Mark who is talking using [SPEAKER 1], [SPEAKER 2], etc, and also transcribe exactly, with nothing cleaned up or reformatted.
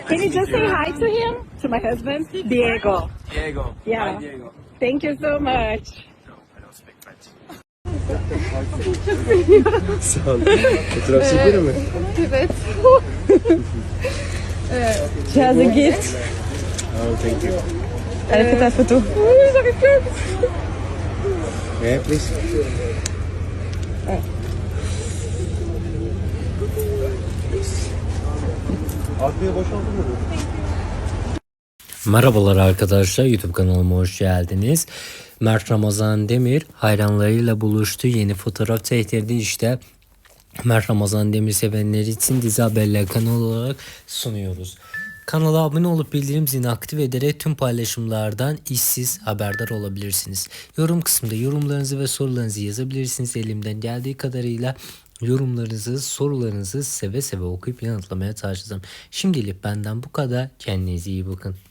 [SPEAKER 1] Can you just say hi to him? To my husband? Diego.
[SPEAKER 2] Diego.
[SPEAKER 1] Yeah.
[SPEAKER 2] Hi, Diego.
[SPEAKER 1] Thank you so much.
[SPEAKER 2] No, I don't speak French.
[SPEAKER 3] Sağ ol. Fotoğraf çekelim mi?
[SPEAKER 1] Evet. She has a gift.
[SPEAKER 3] Oh, thank you.
[SPEAKER 1] Elle a fait ta photo. Oui, j'arrive plus.
[SPEAKER 3] Yeah, please. Arkaya boşaltın mı?
[SPEAKER 4] Merhabalar arkadaşlar, YouTube kanalıma hoş geldiniz. Mert Ramazan Demir hayranlarıyla buluştu. Yeni fotoğraf tehdidi işte Mert Ramazan Demir sevenleri için Dizi Haberler kanalı olarak sunuyoruz. Kanala abone olup bildirim zilini aktif ederek tüm paylaşımlardan işsiz haberdar olabilirsiniz. Yorum kısmında yorumlarınızı ve sorularınızı yazabilirsiniz. Elimden geldiği kadarıyla yorumlarınızı, sorularınızı seve seve okuyup yanıtlamaya çalışacağım. Şimdilik benden bu kadar. Kendinize iyi bakın.